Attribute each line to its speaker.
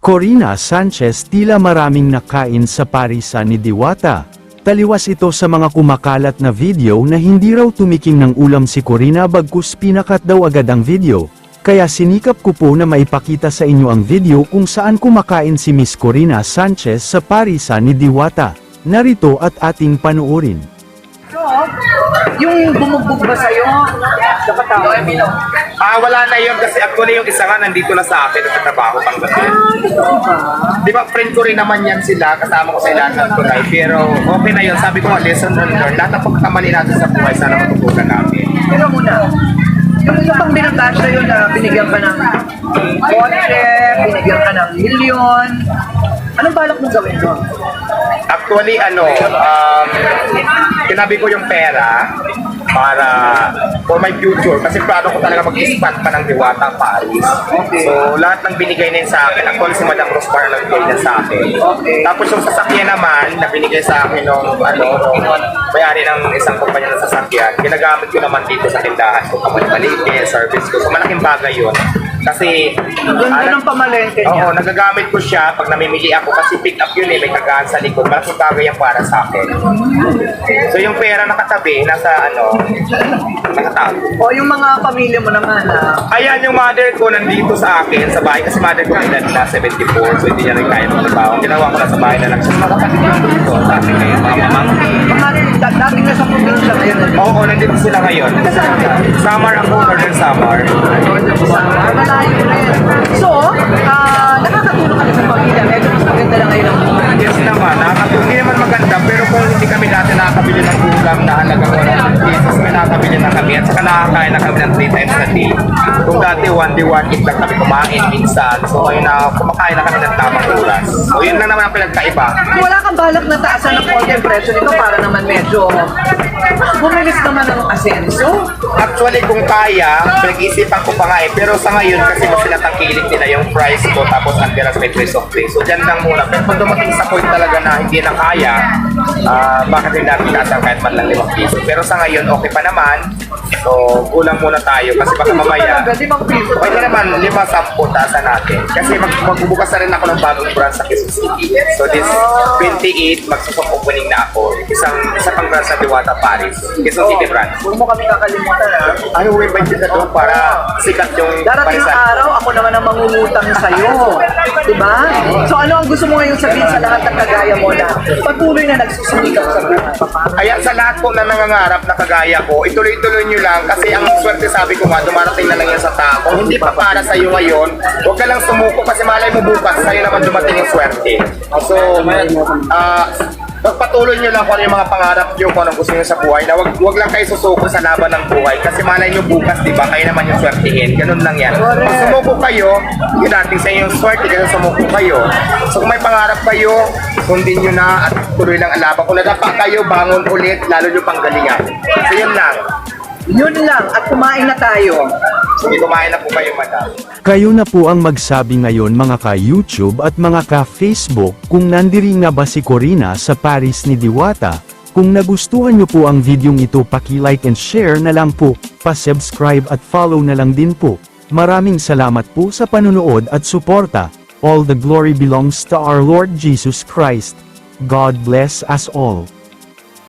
Speaker 1: Corina Sanchez tila maraming nakain sa parisan ni Diwata. Taliwas ito sa mga kumakalat na video na hindi raw tumiking ng ulam si Corina bagkus pinakat daw agad ang video. Kaya sinikap ko po na maipakita sa inyo ang video kung saan kumakain si Miss Corina Sanchez sa parisan ni Diwata. Narito at ating panuorin.
Speaker 2: So, yung bumugbog ba sa'yo? Dapat tao.
Speaker 3: Wala na yun kasi actually yung isa nga nandito na sa akin at trabaho pang gabi. Di ba friend ko rin naman yan sila, kasama ko sa ilan ng tunay. Pero okay na yun, sabi ko nga lesson learned. Lahat ng pagkakamali natin sa buhay, sana matutunan natin.
Speaker 2: Pero muna, yung isa pang binatas sa'yo na binigyan ka ng kotse, binigyan ka ng milyon, anong balak mong gawin doon?
Speaker 3: Actually, tinabi ko yung pera para for my future kasi plano ko talaga mag-expand pa ng Diwata Paris.
Speaker 2: Okay.
Speaker 3: So, lahat ng binigay na yun sa akin, actually si Madam Rospar na nagbigay na sa akin.
Speaker 2: Okay.
Speaker 3: Tapos yung sasakyan naman, na binigay sa akin nung may-ari ng isang kumpanya ng sasakyan, ginagamit ko naman dito sa tindahan ko, kamalipalite, service ko. So, malaking bagay yun. Kasi,
Speaker 2: Ganda ng pamalengke niya.
Speaker 3: oo, nagagamit ko siya pag namimili ako kasi pick up yun may kagaan sa likod. Malaking bagay yan para sa akin. So, yung pera nakatabi, nakatago.
Speaker 2: O yung mga pamilya mo naman
Speaker 3: Ayan, yung mother ko nandito sa akin, sa bahay. Kasi mother ko edad na 74, so hindi niya rin kaya magtrabaho. Ginawa ko na sa bahay na lang. So, mga kapatid ko dito, sa akin ngayon, mga mamangkin.
Speaker 2: dating na sa probinsya ngayon.
Speaker 3: Oo, nandito sila ngayon. Samar ako, Northern Samar.
Speaker 2: Malayo rin. So, nakakatulong kami sa pamilya. Medyo mas maganda lang ngayon ang buhay.
Speaker 3: Yes naman, hindi naman maganda, pero kung hindi kami dati nakakabili ng ulam na halagang 100 pesos, may nakakabili na kami at saka nakakain na kami ng 3 times a day. Kung dati 1 day 1 eat lang kami kumain minsan, so ngayon na kumakain na kami ng tamang oras. So yun lang naman ang pinagkaiba.
Speaker 2: Wala kang balak na taasan ng konti ang presyo nito para naman medyo bumilis naman ang asenso.
Speaker 3: Actually, kung kaya, pinag-iisipan ko pa nga pero sa ngayon kasi mas sinatangkilik nila yung price ko tapos andiras may trace of place. So dyan lang muna. Pero kung dumating sa point talaga na hindi na kaya, bakit hindi natin tatang kahit man lang 5 piso. Pero sa ngayon, okay pa naman. So, kulang muna tayo kasi baka mamaya. Pwede naman 5-10 taasan natin. Kasi magbubukas na rin ako ng bagong branch sa Quezon City. So this 28, magsusok opening na ako. Isa pang branch sa Diwata Paris. Quezon City branch.
Speaker 2: Huwag mo kami kakalimutan
Speaker 3: Ano may budget na doon para sikat yung
Speaker 2: Darating ang
Speaker 3: parisan?
Speaker 2: araw, ako naman ang mangungutang sa'yo. Diba? So ano ang gusto mo ngayon sabihin sa lahat ng kagaya mo na patuloy na nagsusumikap sa buhay?
Speaker 3: Kaya sa lahat po na nangangarap na kagaya ko, ituloy-tuloy nyo lang kasi ang swerte sabi ko nga, dumarating na lang yan sa tao. Kung hindi pa para sa iyo ngayon, huwag ka lang sumuko kasi malay mo bukas, sa'yo naman dumating yung swerte. So, pagpatuloy nyo lang kung ano yung mga pangarap nyo, kung anong gusto nyo sa buhay, na wag lang kayo susuko sa laban ng buhay kasi malay nyo bukas, di ba, kayo naman yung swertihin. Ganun lang yan. Kung sumuko kayo, yun natin sa inyong swerte, ganun sumuko kayo. So kung may pangarap kayo, sundin nyo na at tuloy lang ang laban. Kung nadapa kayo, bangon ulit, lalo nyo panggalingan. So yun lang.
Speaker 2: Yun lang, at kumain na tayo.
Speaker 3: Sige, kumain na po kayo, madam.
Speaker 1: Kayo na po ang magsabi ngayon mga ka-YouTube at mga ka-Facebook kung nandiri nga ba si Corina sa Paris ni Diwata. Kung nagustuhan nyo po ang videong ito, paki-like and share na lang po, pa-subscribe at follow na lang din po. Maraming salamat po sa panunood at suporta. All the glory belongs to our Lord Jesus Christ. God bless us all.